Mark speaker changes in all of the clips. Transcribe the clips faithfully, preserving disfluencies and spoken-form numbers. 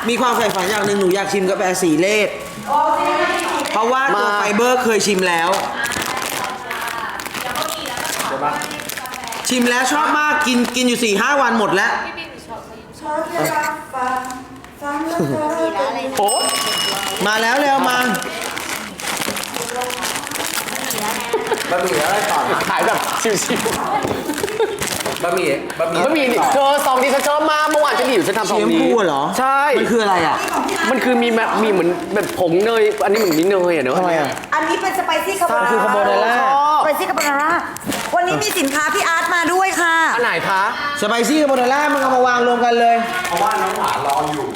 Speaker 1: มีความใฝ่ฝันอย่างหนึ่งหนูอยากชิมกาแฟสีเลดเพราะว่าตัวไฟเบอร์เคยชิมแล้วชิมแล้วชอบมากกินกินอยู่ สี่ห้า วันหมดแล้ว
Speaker 2: โอ้
Speaker 1: มาแล้วเร็วมา
Speaker 3: บะหมี่อะไรต่อ
Speaker 2: ขายแบบชิว
Speaker 3: ๆบะหมี่บะหมี่
Speaker 2: ๆบะหมี่เธอซองที่ฉันชอบมากเมื่อวานฉันหิวฉันทำซองนี้
Speaker 1: เชียมพูเหรอ
Speaker 2: ใช่
Speaker 1: มันคืออะไรอ่ะ
Speaker 2: มันคือมีแบบมีเหมือนแบบผงเนยอันนี้เหมือนมีเนยอ่ะเนอะ
Speaker 1: ทำไมอ่ะ
Speaker 4: อันนี้เป็นสไปซี่คาโบนาร่า
Speaker 1: คือคาโบนาร่า
Speaker 4: สไปซี่คาโบนาร่าวันนี้มีสินค้าพี่อาร์ตมาด้วยค่ะ
Speaker 2: อันไหนคะ
Speaker 1: สไปซี่คาโบนาร่ามึงเอามาวางรวมกันเลย
Speaker 3: เพราะว่าน้องหวานรออยู่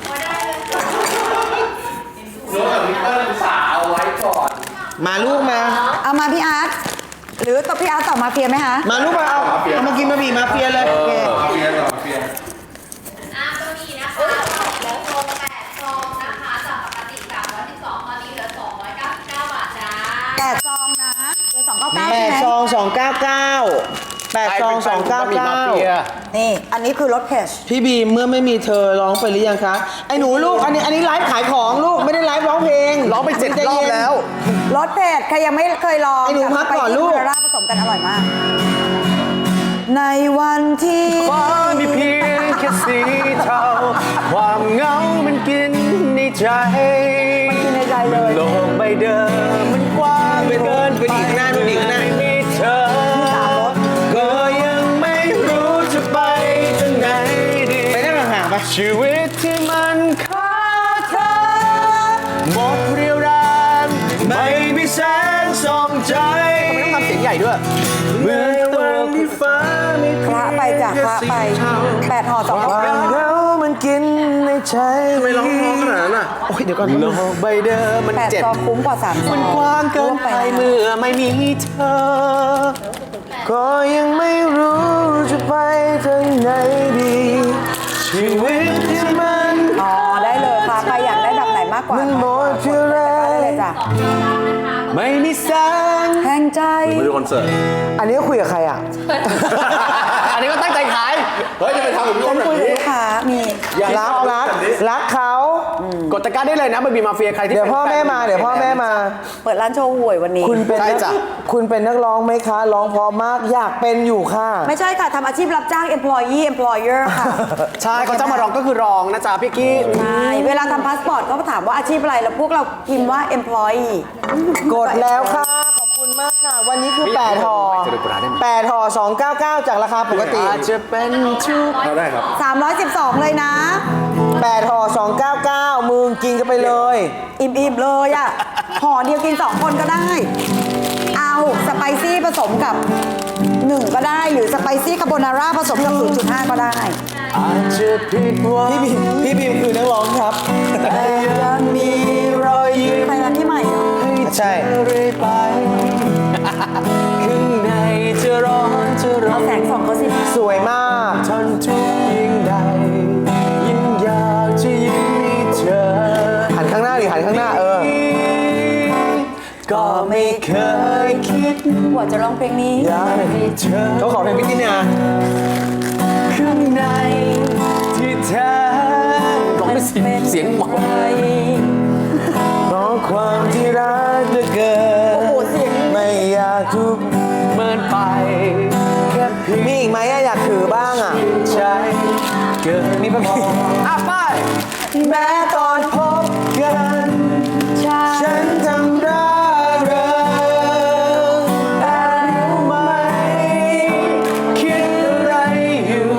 Speaker 3: โน้ตกับวิเตอร์สาวเอาไว้ก่อน
Speaker 1: มาลูกมา
Speaker 4: เอามาพี่อาร์ตหรือตัวพี่อาร์ตต่อมาเฟียไหมคะ
Speaker 1: มาลูกมาเอาเอามากินบะหมี่มาเฟียเลยโอเค
Speaker 3: มาเฟียต่อมาเฟีย
Speaker 5: อ่ะบะหมี่นะคะแล้วโลแปดซองนะคะจากปกติสามร้อยสิบสองตอนนี้เหลือสองร้อยเก้าสิบเก้าบาทจ้า
Speaker 4: แปดซองนะเหลือสองเก้าเก้า
Speaker 1: แป
Speaker 4: ใช่
Speaker 1: ด
Speaker 4: ไหม
Speaker 1: ซองสองเก้าเก้าแปดซองสองเก้าเก้า
Speaker 4: นี่อันนี้คือรสเพช
Speaker 1: พี่บีมเมื่อไม่มีเธอร้องไปหรือยังคะไอ้หนูลูกอันนี้อันนี้ไลฟ์ขายของลูกไม่ได้ไลฟ์ร้องเพลง
Speaker 2: ร้องไปเจ็ดรอบแล้ว
Speaker 4: รสเพชใครยังไม่เคยลอง
Speaker 1: ไอ้หนูพักก่อนลูก
Speaker 4: สไปซี่คาโบนาร่าผสมกันอร่อยมาก ในวันที่
Speaker 2: ฟ้ามีเพียงแค่สีเทาความเหงามันกินในใจ
Speaker 4: มันกินในใจเลย
Speaker 2: โลกใบเดิมมันกว้าง
Speaker 1: ไปเดินไปดีข้างหน้าดูดีข้างหน้า
Speaker 2: ไม่มีเธอ
Speaker 4: มีสามรส
Speaker 2: ก็ยังไม่รู้จะไปทางไหนดี
Speaker 1: ไปนั่งห่างๆไป
Speaker 2: ชีวิตที่มันขาดเธอหมดเรี่ยวแรงไม่มีแสงส่องใจทำไมต้องทำเสียงใหญ่ด้วยเมื่อวันที่ฟ้าไม่
Speaker 4: คละไปจากคละไปแปดห่อสองเก้า
Speaker 2: ความ
Speaker 4: เก้า
Speaker 2: เหงามันกินในใจ
Speaker 1: ไม่ร้องร้องขนาดนั้นอ่ะโอ้ยเดี๋ยวก่อน
Speaker 2: โลกใบเดิมมัน
Speaker 4: แปด
Speaker 2: เจ็บ
Speaker 4: ซองคุ้มกว่าสามซอง
Speaker 2: มันกว้างเกินไปเมื่อไม่มีเธอ ก็ยังไม่รู้จะไปทางไหนดีชีวิตที่มัน
Speaker 4: อ๋อได้เลยค่ะใครอยากได้แบบไหนมากกว่า
Speaker 2: มันหมดเรี่ยวแรง
Speaker 4: ได้เลยจ้ะ
Speaker 2: ไม่มีแสง
Speaker 4: แห้งใจ
Speaker 3: ไปดูคอนเสิร์ต
Speaker 1: อันนี้คุยกับใครอ่ะ
Speaker 2: อันนี้ก็ตั้งใจขาย
Speaker 3: เฮ้ยจะไปทำแบบนี้
Speaker 4: ฉัน
Speaker 3: แบบ
Speaker 4: คุยกับ
Speaker 3: นี้
Speaker 4: ลูกค้ามี
Speaker 1: รักรักรักเขา
Speaker 2: กดตะกร้าได้เลยนะบะหมี่มาเฟียใครที่
Speaker 1: เดี๋ยวพ่อแม่มาเดี๋ยวพ่อแม่มา
Speaker 4: เปิดร้านโชว์หวยวันนี้
Speaker 1: คุณเป็น
Speaker 2: ใช่
Speaker 1: นัก
Speaker 2: จ้ะ
Speaker 1: คุณเป็นนักร้องไหมคะร้องเพราะมากอยากเป็นอยู่ค่ะ
Speaker 4: ไม่ใช่ค่ะทำอาชีพรับจ้าง employee employer ค่ะ
Speaker 2: ใช่เขาจะมาร้องก็คือร้องนะจ๊ะพี่กี้
Speaker 4: ใช่เวลาทำพาสปอร์ตเขาถามว่าอาชีพอะไรแล้วพวกเราพิมพ์ว่า employee
Speaker 1: กดแล้วค่ะขอบคุณมากค่ะ วันนี้คือแปดห่อ
Speaker 2: จะได้กดได้ไหม
Speaker 1: แปดห่อสองเก้าเก้าจากราคาปกติ
Speaker 2: อาจจะเป็นทุก
Speaker 3: เขาได้ครับ
Speaker 4: สามร้อยสิบสองเลยนะ
Speaker 1: แปดห่อสองเก้าเก้ามึงกินกันไปเลย
Speaker 4: อิ่มๆเลยอ่ะห่อเดียวกินสองคนก็ได้ เอาสไปซี่ผสมกับหนึ่งก็ได้หรือสไปซี่คาโบนาร่าผสมกับ ศูนย์จุดห้า ก็ได้
Speaker 2: อาจจะผิดหวัง
Speaker 1: พี่บีมพี่บีมคือนักร้องครับ
Speaker 2: แต่ยังมีรอยยิ้ม
Speaker 4: ใครนะพี่ใหม่เหรอ
Speaker 2: ให้
Speaker 1: ใช่
Speaker 2: เธอเรื่อยไปข้างในจะร้อนจะร้อ
Speaker 4: เอา
Speaker 2: น
Speaker 4: แสงส่องเขาสิ
Speaker 1: สวยมาก
Speaker 2: ทนทุกข์ยิ่งใดยิ่งอยากจะยิ้มให้เธอ
Speaker 1: หันข้างหน้าหรือหันข้างหน้าเออ
Speaker 2: ก็ไม่เคยคิด
Speaker 4: กว่าจะร้องเพลงนี้
Speaker 2: อยากให้เธอ
Speaker 1: เขาขอเพลงพี่ตินา
Speaker 2: ข้างในที่แท้ร้องด้วยเสียงเสียงหมอ
Speaker 1: เพราะความที่รักเหลือเกิน
Speaker 4: โอ้โหเสียง
Speaker 1: ไม่อยากทุกข์
Speaker 2: เมินไปแค่เพียง
Speaker 1: มีอีกไหมอะอยากถือบ้างอ่ะ
Speaker 2: ใจเกิน
Speaker 1: มีปะพี่
Speaker 2: อ่ะไป
Speaker 1: แม้ตอนพบกันฉันทำร่าเริงแต่รู้ไหมคิดอะไรอยู่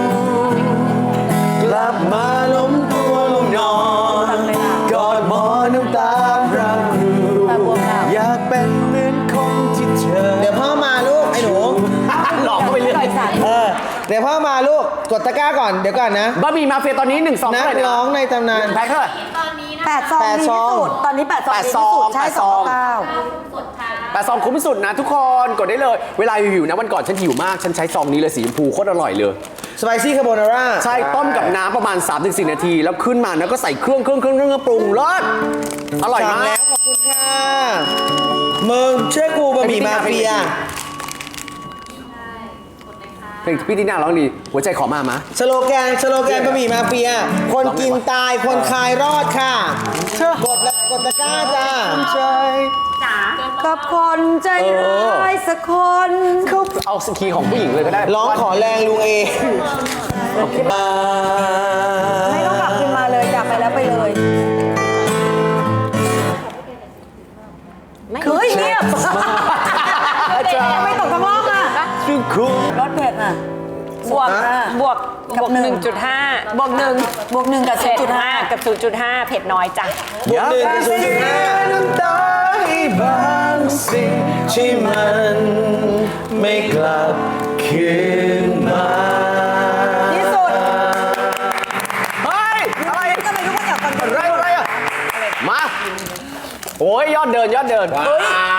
Speaker 1: กลับมาล้มตัวลงนอนกอดหมอนน้ำตาพรางรูอยากเป็นเหมือนคนที่เธอเดี๋ยวพ่อมาลูกไอ้หนู
Speaker 2: หลอกเข้าไปเรื่อย
Speaker 1: เออเดี๋ยวพ่อมาลูกกดตะกร้าก่อนเดี๋ยวก่อนนะ
Speaker 2: บะหมี่มาเฟียตอนนี้หนึ่งซอง
Speaker 1: นั
Speaker 2: เท่าก ไหร่นะ
Speaker 1: ร้องในตำนาน
Speaker 2: แพ็คเท่าไหร่
Speaker 5: ตอนนี้นะ
Speaker 4: แปดซอง
Speaker 1: แปด
Speaker 4: ดี
Speaker 1: ซอง
Speaker 4: ที่สุดตอนนี้แปดซอง
Speaker 2: แปด
Speaker 4: ดี
Speaker 2: ซ
Speaker 4: ที่
Speaker 2: อง
Speaker 4: สุดใช่
Speaker 2: แปด
Speaker 4: ส
Speaker 2: ซ
Speaker 4: อ
Speaker 2: อง ง
Speaker 4: เก้า
Speaker 5: สดค่ะ
Speaker 2: แต่ซองคุ้มที่สุดนะทุกคนกดได้เลย เวลาหิวๆนะวันก่อนฉันหิวมาก ฉันใช้ซองนี้เลยสีชมพูโคตรอร่อยเลย
Speaker 1: สไปซี่คาโบนาร่า
Speaker 2: ใช่ต้มกับน้ำประมาณ สามถึงสี่ นาที แล้วขึ้นมาแล้วก็ใส่เครื่องเครื่องเครื่องเครื่องปรุงรสอร่อย
Speaker 1: สั่ง
Speaker 2: มา
Speaker 1: แล้
Speaker 2: ก
Speaker 1: วขอบคุณค่ะมึงช่วยกูบะหมี่มาเฟีย
Speaker 5: ใช่กดเลยค่ะ
Speaker 2: เพลงพี่ตินาร้องดี หัวใจขอมามา
Speaker 1: สโลแกนสโลแกนบะหมี่มาเฟีย คนกินตายคนคายรอดค่ะกดและกดตะกร้าจ้า
Speaker 4: กับคนใจร้ายสักคน
Speaker 2: เอาสกีของผู้หญิงเลยก็ได้
Speaker 1: ร้องขอแรงลุงเอ
Speaker 4: ไม่ต้องกลับคืนมาเลยกลับไปแล้วไปเลยเฮ้ยเงียบไม่ตกข้างล่างอ่ะ
Speaker 2: ชื่อคุณ
Speaker 4: รถเผ็ดอ่ะ
Speaker 6: บวก
Speaker 1: อ่ะ
Speaker 6: บวก
Speaker 4: กับบ
Speaker 6: วก
Speaker 4: หนึ่ง
Speaker 6: หนึ่งจุดห้าบวกหนึ่ง
Speaker 4: บวกหนึ่งกับ
Speaker 6: เจ็
Speaker 4: ศู
Speaker 6: ด
Speaker 4: นย์จุด
Speaker 6: ห้า
Speaker 4: ห้า
Speaker 6: กับศูนย์จุดห้าเผ็ดน้อยจ้ะ
Speaker 1: บวกหนึ่งกับศูนย์จุดห้า
Speaker 2: น้ำตาให้บางสิ่งที่มันไม่กลับคืนมา
Speaker 4: ที่สุด
Speaker 2: เฮ้ย อะไร
Speaker 4: ทำไมทุกคนอยากฟังกัน
Speaker 2: อะไรอะไรอ่ะ มา โอ้ยยอดเดินยอดเดิน
Speaker 3: ว้าว